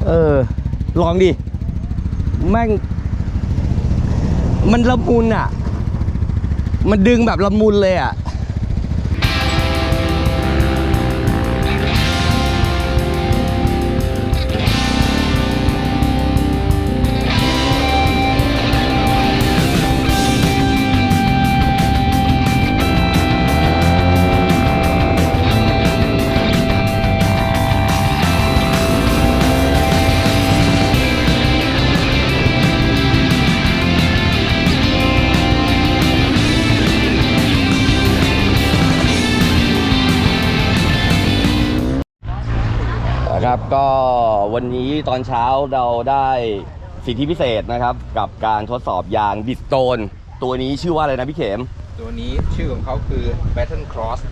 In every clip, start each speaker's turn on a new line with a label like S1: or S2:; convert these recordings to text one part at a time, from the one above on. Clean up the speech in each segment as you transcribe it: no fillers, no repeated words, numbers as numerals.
S1: ลองดิแม่งมันละมุนอ่ะมันดึงแบบละมุนเลยอ่ะครับก็วันนี้ตอนเช้าเราได้สิทธิพิเศษนะครับกับการทดสอบยางบิสโตนตัวนี้ชื่อว่าอะไรนะพี่เข็ม
S2: ตัวนี้ชื่อของเขาคือ Battle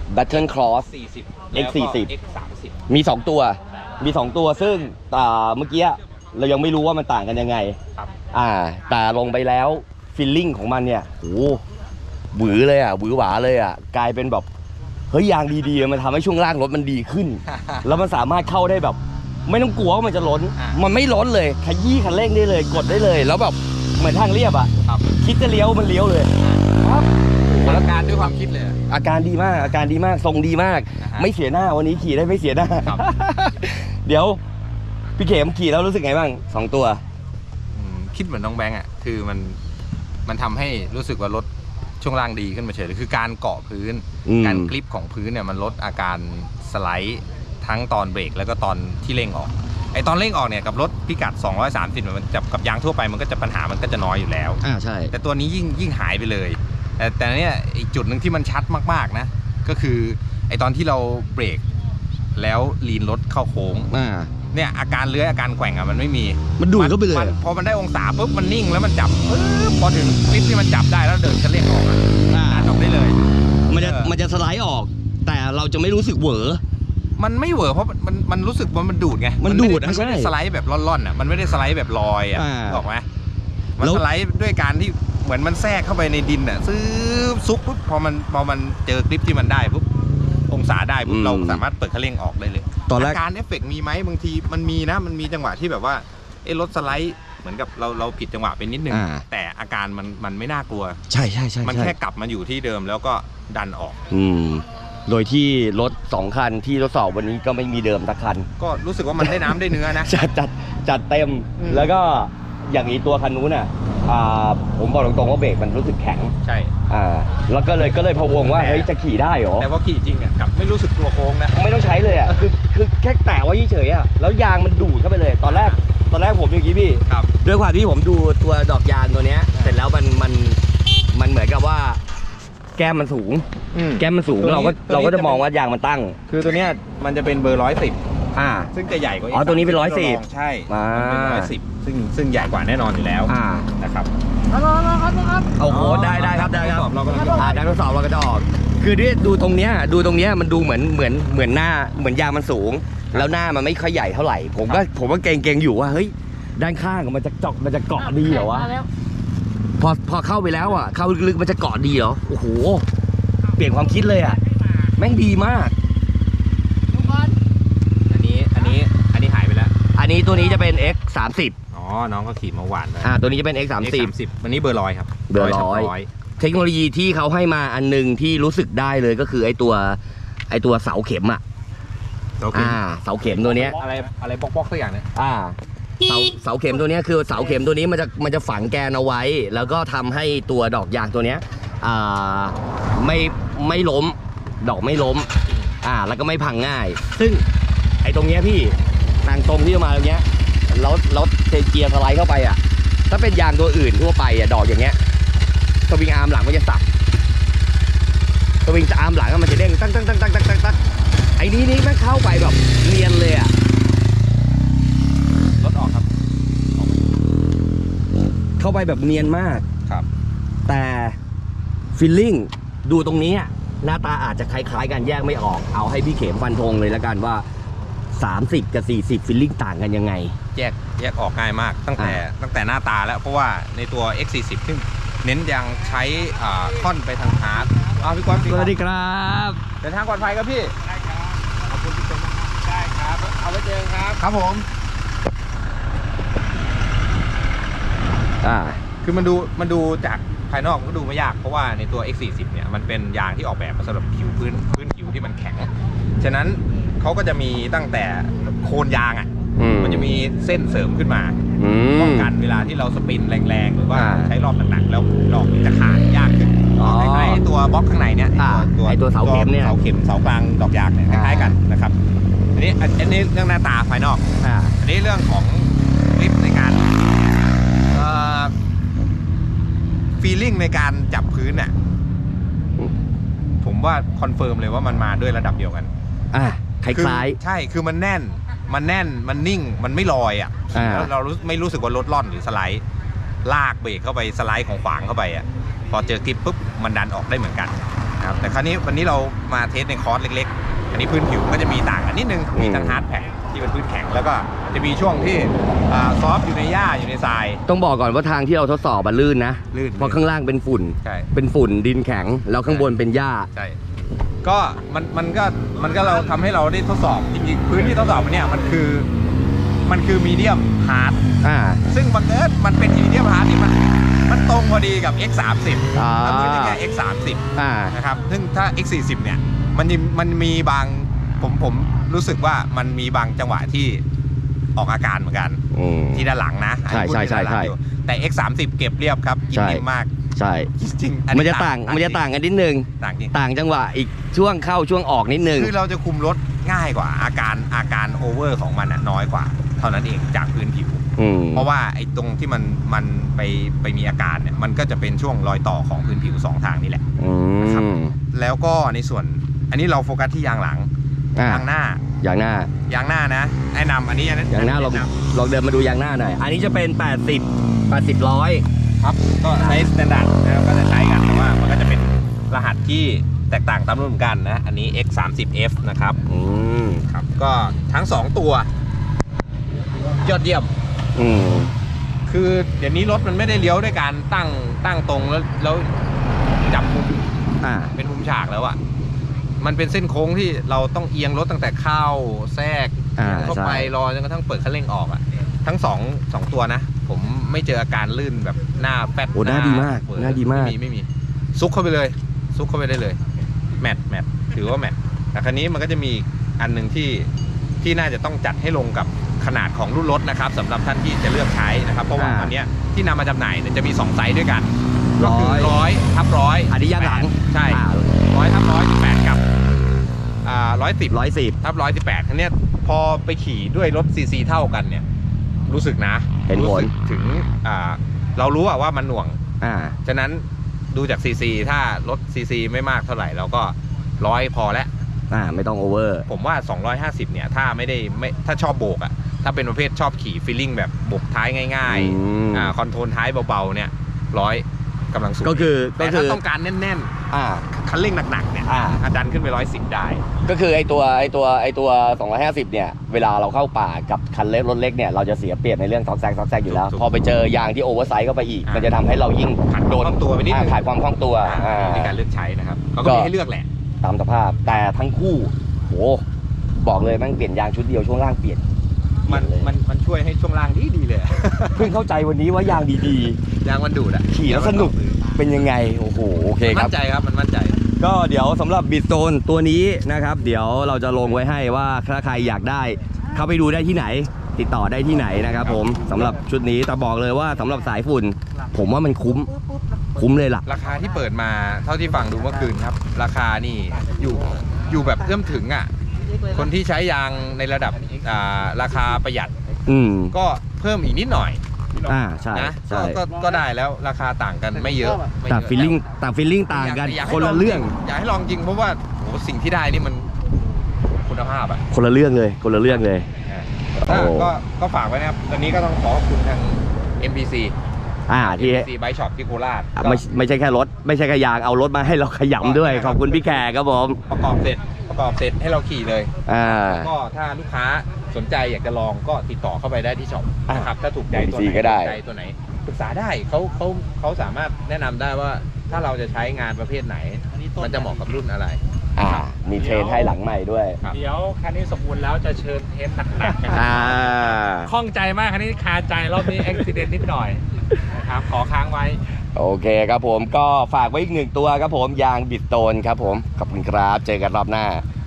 S2: Cross 40
S1: X40
S2: X30
S1: มี2ตัวซึ่งเมื่อกี้เรายังไม่รู้ว่ามันต่างกันยังไง
S2: ครับ
S1: แต่ลงไปแล้วฟีลลิ่งของมันเนี่ยโอ้หวือเลยอ่ะหวือหวาเลยอ่ะกลายเป็นแบบเฮ้ยยางดีๆมันทำให้ช่วงล่างรถมันดีขึ้น แล้วมันสามารถเข้าได้แบบไม่ต้องกลัวว่ามันจะล้นมันไม่ล้นเลยขยี้คันเร่งได้เลยกดได้เลยแล้วแบบเหมือนทางเรียบอ่ะคิดจะเลี้ยวมันเลี้ยวเลย
S2: ครับอาการด้วยความคิดเลย
S1: อาการดีมากทรงดีมากไม่เสียหน้าวันนี้ขี่ได้ไม่เสียหน้า เดี๋ยวพี่เข็มขี่แล้วรู้สึกไงบ้าง2ตัว
S2: คิดเหมือนน้องแบงค์อ่ะคือมันทำให้รู้สึกว่ารถช่วงล่างดีขึ้นมาเฉยเลยคือการเกาะพื้นการกริปของพื้นเนี่ยมันลดอาการสไลด์ทั้งตอนเบรกแล้วก็ตอนที่เร่งออกไอตอนเร่งออกเนี่ยกับรถพิกัด230มันจะกับยางทั่วไปมันก็จะปัญหามันก็จะน้อยอยู่แล้ว
S1: ใช่
S2: แต่ตัวนี้ยิ่งหายไปเลยแต่เนี่ยอีกจุดหนึ่งที่มันชัดมากๆนะก็คือไอตอนที่เราเบรกแล้วลีนรถเข้าโค้งเนี่ยอาการเลื้อยอาการแกว่งอ่ะมันไม่มี
S1: มันดูดเข้าไปเลย
S2: พอมันได้องศาปุ๊บมันนิ่งแล้วมันจับพอถึงคลิปที่มันจับได้แล้วเดินจะเร่งออกดันออกได้เลย
S1: มันจะสไลด์ออกแต่เราจะไม่รู้สึกเหวอ
S2: มันไม่เหวอเพราะมันรู้สึกว่ามันดูดไง
S1: มันดูด
S2: มันไม่ได้สไลด์แบบล่อนๆอ่ะมันไม่ได้สไลด์แบบลอยอ่ะบอกไหมมันสไลด์ด้วยการที่เหมือนมันแทรกเข้าไปในดินอ่ะซุกปุ๊บพอมันเจอคลิปที่มันได้ปุ๊บองศาได้ปุ๊บเราสามารถเปิดคันเร่งออกได้เลย
S1: ตอนแรก
S2: การเอฟเฟกต์มีไหมบางทีมันมีนะมันมีจังหวะที่แบบว่ารถสไลด์เหมือนกับเราผิดจังหวะไปนิดนึงแต่อาการมันไม่น่ากลัว
S1: ใช่
S2: มันแค่กลับมาอยู่ที่เดิมแล้วก็ดันออก
S1: โดยที่รถ2คันที่ทดสอบวันนี้ก็ไม่มีเดิมสักคัน
S2: ก็รู้สึกว่ามันได้น้ำได้เนื้อนะ
S1: จัดเต็มแล้วก็อย่างนี้ตัวคันนู้นน่ะผมบอกตรงๆว่าเบรกมันรู้สึกแข็ง
S2: ใช่
S1: แล้วก็เลยพะวงว่าเฮ้ยจะขี่ได้เหรอ
S2: แต่ว่าขี่จริงอ่ะกับไม่รู้สึกตัวโค้งนะ
S1: ไม่ต้องใช้เลยอ่ะคือแค่แตะไว้เฉยๆอ่ะแล้วยางมันดูดเข้าไปเลยตอนแรกผมอย่างนี้พี่ด้วยความที่ผมดูตัวดอกยางตัวเนี้ยเสร็จแล้วมันเหมือนกับว่าแก้มมันสูงเราก็จะมองว่ายางมันตั้ง
S2: คือตัวเนี้ยมันจะเป็นเบอร์110ซึ่งจะใหญ่กว่า
S1: ตัวนี้เป็น110
S2: ใช่เป็น110ซึ่งใหญ่กว่าแน่นอนอยู่แล้วนะครับ
S1: โอ้โหได้ครับได้ครับการทดสอบเราก็จะออกคือด้วยดูตรงเนี้ยมันดูเหมือนหน้าเหมือนยางมันสูงแล้วหน้ามันไม่ค่อยใหญ่เท่าไหร่ผมก็เกรงอยู่ว่าเฮ้ยด้านข้างมันจะเกาะดีเหรอวะพอเข้าไปแล้วอ่ะเข้าลึกๆมันจะเกาะดีเหรอโอ้โหเปลี่ยนความคิดเลยอ่ะแม่งดีมาก
S2: อันนี้หายไปแล้ว
S1: อันนี้ตัวนี้จะเป็น X30
S2: น้องก็ขี่มาหวาน
S1: ตัวนี้จะเป็น X30
S2: วันนี้เบอร์100ครับ
S1: เบอร์100เทคโนโลยีที่เขาให้มาอันนึงที่รู้สึกได้เลยก็คือไอตัวเสาเข็มอ่ะเสาเข็มตัวเนี้ย
S2: อะไรปอกสักอย่างเนี่ย
S1: เสาเข็มตัวนี้คือเสาเข็มตัวนี้มันจะฝังแกนเอาไว้แล้วก็ทำให้ตัวดอกยางตัวเนี้ยไม่ล้มดอกไม่ล้มแล้วก็ไม่พังง่ายซึ่งไอ้ตรงเนี้ยพี่ทางตรงที่มาตรงเนี้ยแล้วเกียร์สไลด์เข้าไปอ่ะถ้าเป็นยางตัวอื่นทั่วไปอ่ะดอกอย่างเงี้ยสวิงอาร์มหลังมันจะสับสวิงอาร์มหลังมันจะเด้งตั้งไอ้นี้มันเข้าไปแบบเนียนเลยอ่ะ
S2: รถออกครับ
S1: เข้าไปแบบเนียนมาก
S2: ครับ
S1: แต่ฟีลลิ่งดูตรงนี้หน้าตาอาจจะคล้ายๆกันแยกไม่ออกเอาให้พี่เข็มฟันธงเลยแล้วกันว่า30กับ40ฟีลลิ่งต่างกันยังไง
S2: แยกออกง่ายมากตั้งแต่หน้าตาแล้วเพราะว่าในตัว X40 ซึ่งเน้นยังใช้ค่อนไปทางฮาร์ดพี่กวน
S1: สวัสดีครับ
S2: เดินทางปลอดภัยครับพี่ได้ครับขอบคุณที่ชมได้ครับเอาไว้เจอครับ
S1: ครับผม
S2: คือมันดูจากภายนอกก็ดูไม่ยากเพราะว่าในตัว X40 เนี่ยมันเป็นยางที่ออกแบบมาสำหรับผิวพื้นผิวที่มันแข็งฉะนั้นเขาก็จะมีตั้งแต่โคนยางอ่ะมันจะมีเส้นเสริมขึ้นมาป้องกันเวลาที่เราสปินแรงๆหรือว่าใช้รอบหนักๆแล้วดอกจะขาดยากขึ้นคล้ายๆตัวบล็อกข้างในเนี่ย
S1: ตัวเสาเข็มเนี่ย
S2: เสาเข็มเสากลางดอกยางเนี่ยคล้ายๆกันนะครับอันนี้เรื่องหน้าตาภายนอกอันนี้เรื่องของกริปในการฟีลลิ่งในการจับพื้นน่ะผมว่าคอนเฟิร์มเลยว่ามันมาด้วยระดับเดียวกัน
S1: คล้าย
S2: ๆใช่คือมันแน่นมันนิ่งมันไม่ลอยอ่ะแล้วเราไม่รู้สึกว่ารถล่อนหรือสไลด์ลากเบรกเข้าไปสไลด์ของขวางเข้าไปอ่ะพอเจอกริปปุ๊บมันดันออกได้เหมือนกันนะครับแต่คราวนี้วันนี้เรามาเทสในคอร์สเล็กๆอันนี้พื้นผิวก็จะมีต่างกันนิดนึงมีทั้งฮาร์ดแพ็คที่เป็นพื้นแข็งแล้วก็จะมีช่วงที่ซอฟต์อยู่ในหญ้าอยู่ในทราย
S1: ต้องบอกก่อนว่าทางที่เราทดสอบมันลื่นนะเพราะข้างล่างเป็นฝุ่นเป็นฝุ่นดินแข็งแล้วข้างบนเป็นหญ้า
S2: ใช่ก็มันก็เราทำให้เราได้ทดสอบจริงๆพื้นที่ทดสอบเนี่ยมันคือมีเดียมฮาร์ดซึ่งบังเอิญมันเป็นมีเดียมฮาร์ดที่มันตรงพอดีกับ X30 แล้วพื้นที่แค่ X30 นะครับซึ่งถ้า X40 เนี่ยมันมีบางผมรู้สึกว่ามันมีบางจังหวะที่ออกอาการเหมือนกันที่ด้านหลังนะ
S1: ใช่
S2: แต่ X30 เก็บเรียบครับกินนิ่มมาก
S1: ใช่
S2: จริง
S1: มันจะต่างกันนิดนึงต่างจังหวะอีกช่วงเข้าช่วงออกนิดนึง
S2: คือเราจะคุมรถง่ายกว่าอาการโอเวอร์ของมันน้อยกว่าเท่านั้นเองจากพื้นผิวเพราะว่าไอ้ตรงที่มันไปมีอาการเนี่ยมันก็จะเป็นช่วงรอยต่อของพื้นผิว2ทางนี่แหละนะครับแล้วก็ในส่วนอันนี้เราโฟกัสที่ยางหลังยางหน้ายางหน้านะแนะนำอันนี้
S1: ยางหน้าลองเดินมาดูยางหน้าหน่อยอันนี้จะเป็น80 100
S2: ครับก็ใช้สแตนดาร์ดนะครับก็จะใช้กันแต่ว่ามันก็จะเป็นรหัสที่แตกต่างตามรุ่นเหมือนกันนะอันนี้ X30F นะครับครับก็ทั้ง2ตัวยอดเยี่ยมคือเดี๋ยวนี้รถมันไม่ได้เลี้ยวด้วยการตั้งตรงแล้วจับมุมเป็นมุมฉากแล้วอะมันเป็นเส้นโค้งที่เราต้องเอียงรถตั้งแต่เข้าแทรกเข้าไปรอจนกระทั่งเปิดคันเร่งออกอะทั้งสองตัวนะผมไม่เจออาการลื่นแบบหน้าแป๊ด
S1: หน้าดีมาก
S2: ไม่มีซุกเข้าไปเลยซุกเข้าไปได้เลยแมทถือว่าแมทแต่ครั้นี้มันก็จะมีอันหนึ่งที่น่าจะต้องจัดให้ลงกับขนาดของรุ่นรถนะครับสำหรับท่านที่จะเลือกใช้นะครับเพราะว่าอันนี้ที่นำมาจำหน่ายจะมี2ไซส์ด้วยกันก็คือ100/100
S1: อันนี้ยางหลัง
S2: ใช่100/118กับ110/118อันนี้พอไปขี่ด้วยรถซีซีเท่ากันเนี่ยรู้สึกนะ
S1: เห็นผล
S2: ถึงเรารู้ว่ามันหน่วงฉะนั้นดูจากซีซีถ้ารถซีซีไม่มากเท่าไหร่เราก็100พอแล้ว
S1: ไม่ต้องโอเวอร์
S2: ผมว่า250เนี่ยถ้าถ้าชอบโบกถ้าเป็นประเภทชอบขี่ฟีลลิ่งแบบโบกท้ายง่ายๆคอนโทรลท้ายเบาๆเนี่ย100กำลังสูง
S1: ก็คือ
S2: ถ้าต้องการแน่นๆคันเร่งหนักๆเนี่ยดันขึ้นไป110ได้
S1: ก็คือไอตัว250เนี่ยเวลาเราเข้าป่ากับคันเล็กรถเล็กเนี่ยเราจะเสียเปรียบในเรื่องซอกแซกอยู่แล้วพอไปเจอยางที่โอเวอร์ไซส์เข้าไปอีกมันจะทำให้เรายิ่ง
S2: โดนตัวไปนิดนึง
S1: ขาดความคล่องตัว
S2: ในการเลือกใช้นะครับเขาก็มีให้เลือกแหละ
S1: ตามสภาพแต่ทั้งคู่โหบอกเลยมันเปลี่ยนยางชุดเดียวช่วงล่างเปลี่ยน
S2: มันช่วยให้ช่วงล่างดีเลย
S1: เพิ่งเข้าใจวันนี้ว่ายางดี
S2: ยางมันดูด
S1: ขี่แล้วสนุกเป็นยังไงโอ้โหโอเคครับ
S2: มั่นใจครับมันมั่นใจ
S1: ก็เดี๋ยวสำหรับบิดโซนตัวนี้นะครับเดี๋ยวเราจะลงไว้ให้ว่าถ้าใครอยากได้เข้าไปดูได้ที่ไหนติดต่อได้ที่ไหนนะครับผมสำหรับชุดนี้แต่บอกเลยว่าสำหรับสายฝุ่นผมว่ามันคุ้มเลยล่ะ
S2: ราคาที่เปิดมาเท่าที่ฟังดูเมื่อคืนครับราคานี่อยู่แบบเอื้อมถึงคนที่ใช้ยางในระดับราคาประหยัดก็เพิ่มอีกนิดหน่อย
S1: ใช่
S2: นะก็ได้แล้วราคาต่างกันไม่เยอะ
S1: แต่ฟีลลิ่งต่างกันคนละเรื่อง
S2: อยากให้ลองจริงเพราะว่าสิ่งที่ได้นี่มันคุณภาพ
S1: คนละเรื่องเลย
S2: ก็ฝากไว้นะครับตอนนี้ก็ต้องขอบคุณทาง MPC ที่ไบค์ช็อปที่โคราช
S1: ไม่ใช่แค่รถไม่ใช่แค่ยางเอารถมาให้เราขยำด้วยขอบคุณพี่แขกครับผม
S2: ประกอบเสร็จให้เราขี่เลยก็ถ้าลูกค้าสนใจอยากจะลองก็ติดต่อเข้าไปได้ที่ช็อปนะครับถ้าถูกใจตัวไหนใจตัวไหนปรึกษาได้เขาสามารถแนะนำได้ว่าถ้าเราจะใช้งานประเภทไหนมันจะเหมาะกับรุ่นอะไร
S1: มีเทรนให้หลังใหม่ด้วย
S3: เดี๋ยวคันนี้สมบูรณ์แล้วจะเชิญเทสหนักๆกันคล่องใจมากคันนี้คาใจรอบนี้อุบิเหตุนิดหน่อยนะครับขอค้างไว้
S1: โอเคครับผมก็ฝากไว้อีกหนึ่งตัวครับผมยางบิดโตนครับผมขอบคุณครับเจอกันรอบหน้า